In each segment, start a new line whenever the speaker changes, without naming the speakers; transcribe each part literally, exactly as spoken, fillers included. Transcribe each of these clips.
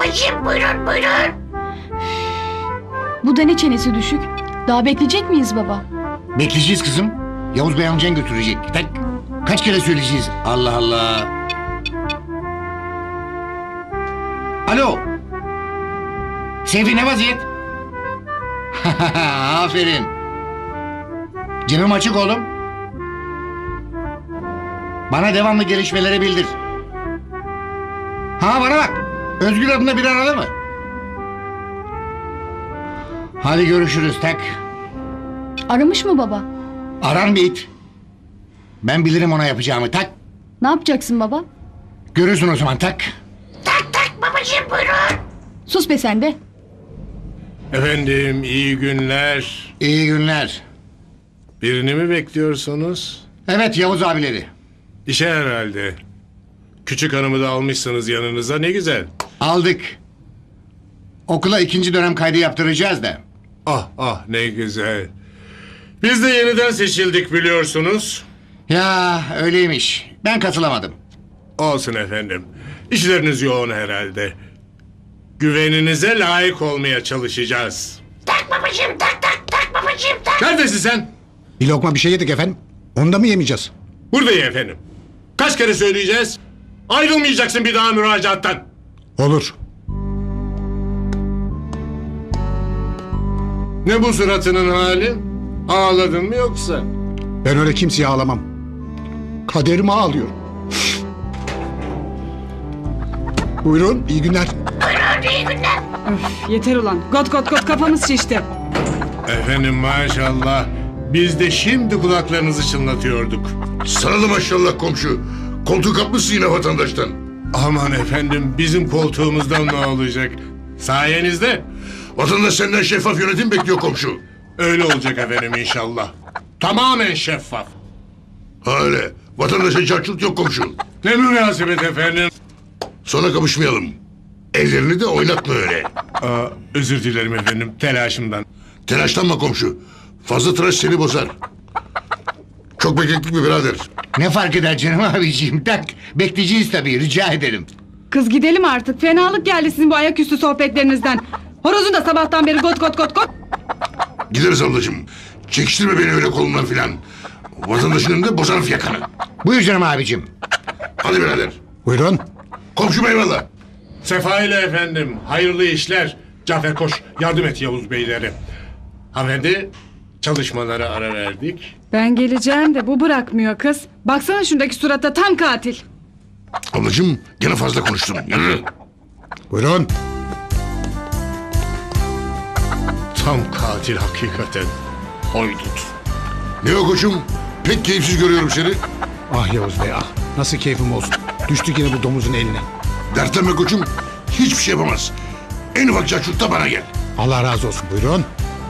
babacığım, buyurun buyurun.
Bu da ne çenesi düşük? Daha bekleyecek miyiz baba?
Bekleyeceğiz kızım. Yavuz Bey amcan götürecek. Tak. Kaç kere söyleyeceğiz? Allah Allah. Alo. Seyfi ne vaziyet? Aferin. Cebim açık oğlum. Bana devamlı gelişmeleri bildir. Ha bana bak. Özgür adına bir aradı mı? Hadi görüşürüz tak.
Aramış mı baba?
Arar mı it? Ben bilirim ona yapacağımı tak.
Ne yapacaksın baba?
Görürsün o zaman tak.
Tak tak babacığım, buyurun.
Sus be sen de.
Efendim iyi günler.
İyi günler.
Birini mi bekliyorsunuz?
Evet Yavuz abileri.
İşe herhalde. Küçük hanımı da almışsınız yanınıza, ne güzel.
Aldık. Okula ikinci dönem kaydı yaptıracağız da.
Ah ah ne güzel. Biz de yeniden seçildik biliyorsunuz.
Ya öyleymiş. Ben katılamadım.
Olsun efendim. İşleriniz yoğun herhalde. Güveninize layık olmaya çalışacağız.
Tak babacığım, tak tak tak babacığım, tak.
Neredesin sen?
Bir lokma bir şey yedik efendim. Onu da mı yemeyeceğiz?
Buradayım efendim. Kaç kere söyleyeceğiz? Ayrılmayacaksın bir daha müracaattan.
Olur.
Ne bu suratının hali? Ağladın mı yoksa?
Ben öyle kimseye ağlamam. Kaderime ağlıyorum. Buyurun, iyi günler.
Buyurun, iyi günler.
Yeter ulan. Got got got kafamız şişti.
Efendim maşallah. Biz de şimdi kulaklarınızı çınlatıyorduk.
Sana da maşallah komşu. Koltuk kapmışsın yine vatandaştan.
Aman efendim bizim koltuğumuzdan ne olacak? Sayenizde
Vatandaş senden şeffaf yönetim bekliyor komşu.
öyle olacak efendim inşallah. Tamamen şeffaf.
Ha öyle. Vatandaşa çarçurt yok komşu.
Ne münasebet efendim.
Sonra kapışmayalım. Ellerini de oynatma öyle.
Aa, özür dilerim efendim telaşımdan.
Telaşlanma komşu. Fazla tıraş seni bozar. Çok beklettik mi birader?
Ne fark eder canım abiciğim tak. Bekleyeceğiz tabii rica ederim.
Kız gidelim artık. Fenalık geldi sizin bu ayaküstü sohbetlerinizden. Horozun da sabahtan beri got got got got.
Gideriz ablacığım. Çekiştirme beni öyle kolundan filan. Vatandaşın önünde bozar yakanı.
Buyur canım abicim.
Hadi birader.
Buyurun.
Komşum eyvallah.
Sefa ile efendim hayırlı işler. Cafer koş yardım et Yavuz beylere. Hanımefendi çalışmalara ara verdik.
Ben geleceğim de bu bırakmıyor kız. Baksana şundaki surata tam katil.
Ablacığım gene fazla konuştun. Yürü.
Buyurun.
Tam katil hakikaten. Haydut.
Ne o koçum? Pek keyifsiz görüyorum seni.
Ah Yavuz Bey ah. Nasıl keyfim olsun. Düştük yine bu domuzun eline.
Dertlenme koçum. Hiçbir şey yapamaz. En ufak çarçurtta bana gel.
Allah razı olsun. Buyurun.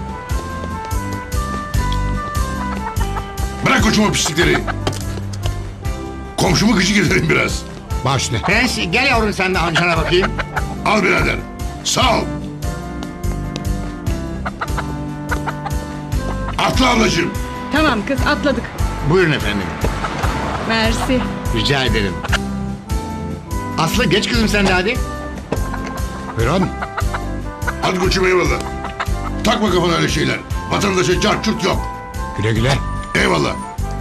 Bırak koçum o pislikleri. Komşumu gıcık ederim biraz.
Baş ne?
Prens gel yavrum sen de amcana bakayım.
Al birader. Sağ ol. Atla ablacığım.
Tamam kız atladık.
Buyurun efendim.
Mersi.
Rica ederim. Aslı geç kızım sen de hadi.
Buyurun.
Hadi koçum eyvallah. Takma kafana öyle şeyler. Vatandaşa çarçurt yok.
Güle güle.
Eyvallah.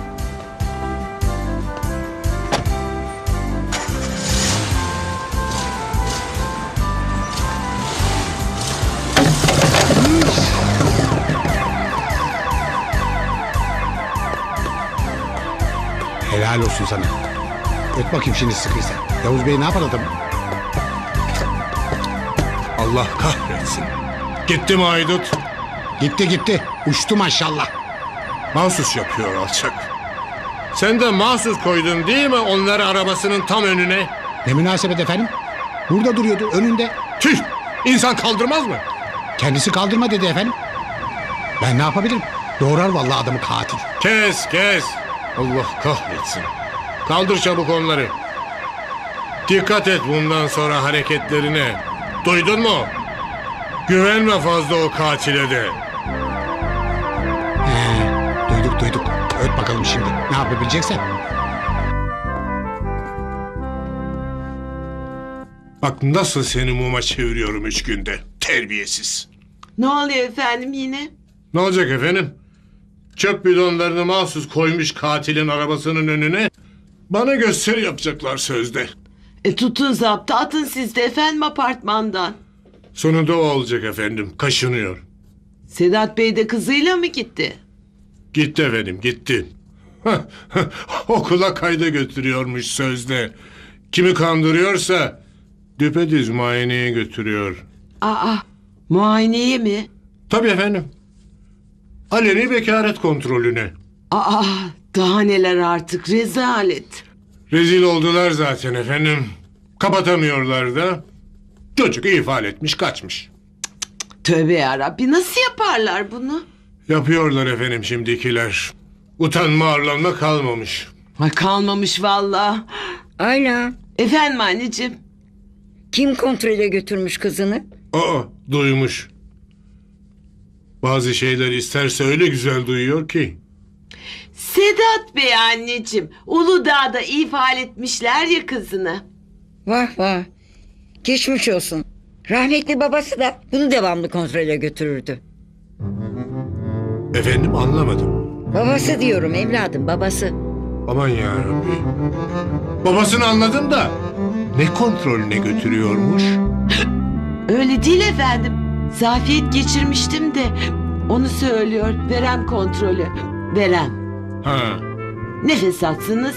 Helal olsun sana. Öt bakayım şimdi sıkıysa. Yavuz Bey ne yapar adam?
Allah kahretsin. Gitti mi haydut?
Gitti gitti. Uçtu maşallah.
Mahsus yapıyor alçak. Sen de mahsus koydun değil mi onları arabasının tam önüne?
Ne münasebet efendim? Burada duruyordu önünde.
Tüh! İnsan kaldırmaz mı?
Kendisi kaldırma dedi efendim. Ben ne yapabilirim? Doğrar vallahi adamı katil.
Kes kes. Allah kahretsin. Kaldır çabuk onları. Dikkat et bundan sonra hareketlerine. Duydun mu? Güvenme fazla o katile de.
He, duyduk duyduk. Öt bakalım şimdi. Ne yapabileceksen.
Bak nasıl seni muma çeviriyorum üç günde. Terbiyesiz.
Ne oluyor efendim yine?
Ne olacak efendim? Çöp bidonlarını mahsus koymuş katilin arabasının önüne. Bana gösteri yapacaklar sözde.
E tutun zaptı atın siz de efendim apartmandan.
Sonunda o olacak efendim. Kaşınıyor.
Sedat Bey de kızıyla mı gitti?
Gitti efendim gitti. Okula kayda götürüyormuş sözde. Kimi kandırıyorsa düpedüz muayeneye götürüyor.
Aa muayeneye mi?
Tabii efendim. Aleni bekaret kontrolüne.
Aa daha neler artık rezalet.
Rezil oldular zaten efendim. Kapatamıyorlar da. Çocuk ifade etmiş kaçmış.
Tövbe yarabbi nasıl yaparlar bunu?
Yapıyorlar efendim şimdikiler. Utanma arlanma kalmamış.
Ay kalmamış vallahi.
Ayla,
Efendim anneciğim.
kim kontrole götürmüş kızını?
Aa duymuş. Bazı şeyler isterse öyle güzel duyuyor ki.
Sedat Bey anneciğim. Uludağ'da ifade etmişler ya kızını.
Vah vah, geçmiş olsun. Rahmetli babası da bunu devamlı kontrole götürürdü.
Efendim anlamadım.
Babası diyorum evladım, babası.
Aman yarabbi. Babasını anladım da ne kontrolüne götürüyormuş?
Öyle değil efendim. Zafiyet geçirmiştim de onu söylüyor. Verem kontrolü. Verem.
Ha.
Nefes atsınız.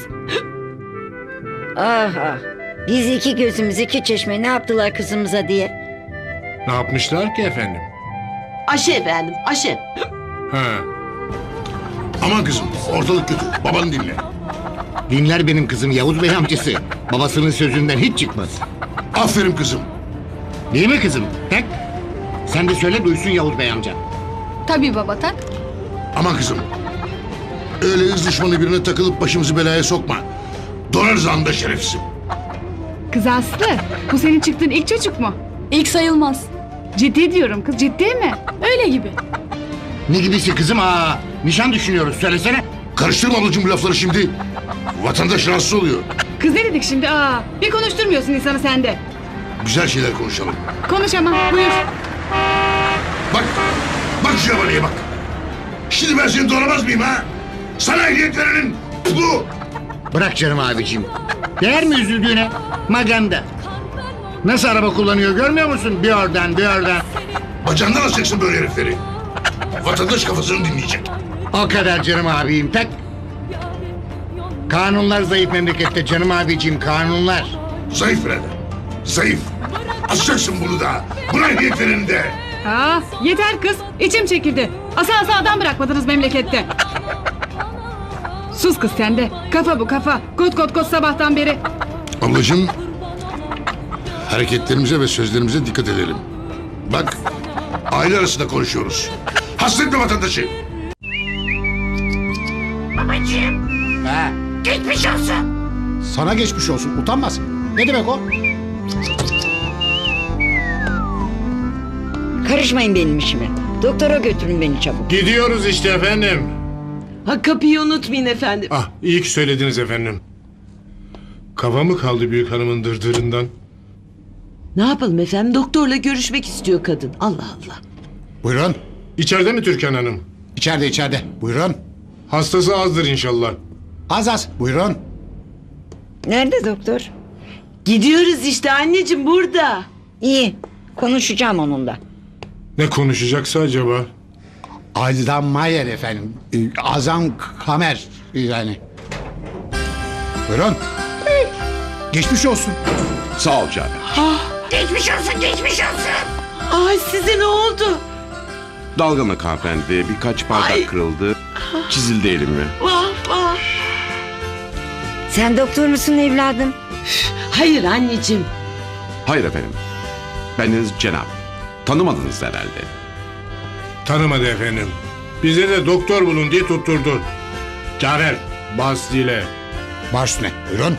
Ah ah, biz iki gözümüz iki çeşme ne yaptılar kızımıza diye.
Ne yapmışlar ki efendim?
Aşı efendim aşı.
Ha.
Aman kızım ortalık kötü. Babanı dinle.
Dinler benim kızım Yavuz Bey amcası. Babasının sözünden hiç çıkmaz.
Aferin kızım.
Değil mi kızım? Tak. Sen de söyle duysun Yavuz Bey amca.
Tabii baba tak.
Aman kızım. Öyle hız düşmanı birine takılıp başımızı belaya sokma. Donarız anda şerefsizim.
Kız Aslı, bu senin çıktığın ilk çocuk mu?
İlk sayılmaz.
Ciddi diyorum kız, ciddi mi?
Öyle gibi.
Ne gibisi kızım? Aa, nişan düşünüyoruz söylesene.
Karıştırma ablacığım bu lafları şimdi. Vatandaş rahatsız oluyor.
Kız ne dedik şimdi? Aa, bir konuşturmuyorsun insanı sen de.
Güzel şeyler konuşalım.
Konuş ama, buyur.
Bak. Bak şu yabaniye bak. Şimdi ben seni doğramaz mıyım ha? Sana ehliyet verenin bu.
Bırak canım abiciğim. Değer mi üzüldüğüne? Maganda. Nasıl araba kullanıyor görmüyor musun? Bir oradan bir oradan.
Bacağından alacaksın böyle herifleri. Vatandaş kafasını dinleyecek.
O kadar canım abim tak. Kanunlar zayıf memlekette canım abiciğim kanunlar.
Zayıf birader. Zayıf. Asacaksın bunu da. Buna ehliyet verenin de.
Aa, yeter kız, içim çekildi. Asa asa adam bırakmadınız memlekette. Sus kız sen de. Kafa bu kafa. Kot kot kot sabahtan beri.
Ablacığım. Hareketlerimize ve sözlerimize dikkat edelim. Bak. Aile arasında konuşuyoruz. Hasretme vatandaşı.
Babacığım
Ha,
geçmiş olsun.
sana geçmiş olsun. Utanmaz. Ne demek o?
Karışmayın benim işime. Doktora götürün beni çabuk.
Gidiyoruz işte efendim.
Ha kapıyı unutmayın efendim.
Ah iyi ki söylediniz efendim. Kafa mı kaldı büyük hanımın dırdırından?
Ne yapalım efendim doktorla görüşmek istiyor kadın. Allah Allah.
Buyurun.
İçeride mi Türkan Hanım?
İçeride içeride. Buyurun.
Hastası azdır inşallah.
Az az. Buyurun.
Nerede doktor?
Gidiyoruz işte anneciğim burada.
İyi, konuşacağım onunla.
Ne konuşacaksa acaba?
Aydan Mayer efendim. Ee, Azam Kamer yani. Buyurun. Geçmiş olsun.
Sağ ol canım.
Geçmiş olsun geçmiş olsun.
Ay size ne oldu?
Dalgınlık hanımefendi. Birkaç bardak
Ay.
kırıldı. Çizildi elimi.
Vah vah.
Sen doktor musun evladım?
Hayır anneciğim.
Hayır efendim. Bendeniz Cenap. Tanımadınız herhalde.
Tanımadı efendim. Bize de doktor bulun diye tutturdu. Cafer bas dile.
Baş üstüne. Buyurun.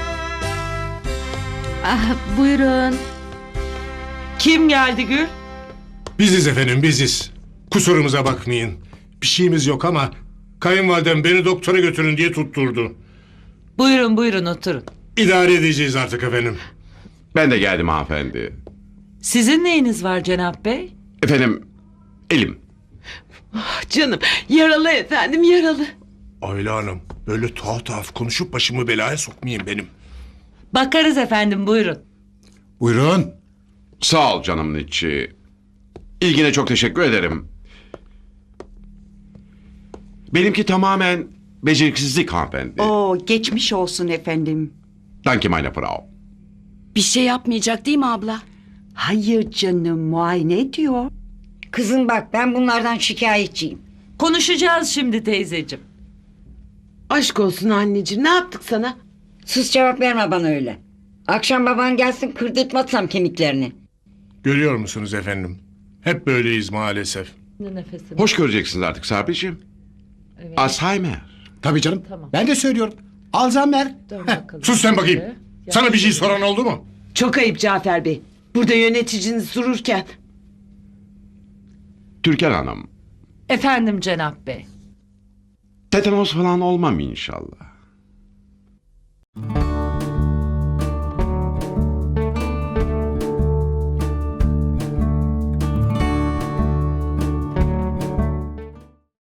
Ah, buyurun.
Kim geldi Gül?
Biziz efendim biziz. Kusurumuza bakmayın. Bir şeyimiz yok ama kayınvalidem beni doktora götürün diye tutturdu.
Buyurun buyurun oturun.
İdare edeceğiz artık efendim.
Ben de geldim hanımefendi.
Sizin neyiniz var Cenap Bey?
Efendim elim.
Canım yaralı efendim yaralı.
Ayla Hanım böyle tuhaf tuhaf konuşup başımı belaya sokmayın benim.
Bakarız efendim buyurun.
Buyurun.
Sağ ol canımın içi. İlgine çok teşekkür ederim. Benimki tamamen beceriksizlik hanımefendi.
Oo, geçmiş olsun efendim.
Danke meine Frau.
Bir şey yapmayacak değil mi abla?
Hayır canım, muayene ediyor.
Kızım bak ben bunlardan şikayetçiyim.
Konuşacağız şimdi teyzeciğim. Aşk olsun anneciğim ne yaptık sana?
Sus cevap verme bana öyle. Akşam baban gelsin kırdırtmazsam kemiklerini.
Görüyor musunuz efendim? Hep böyleyiz maalesef.
Hoş göreceksiniz artık Sabri'ciğim. Alzheimer.
Tabii canım. Ben de söylüyorum. Alzheimer.
Sus sen bakayım. Sana bir şey soran oldu mu?
Çok ayıp Cafer Bey. Burada yöneticiniz dururken.
Türkan Hanım.
Efendim Cenap Bey.
Tetanos falan olmam inşallah.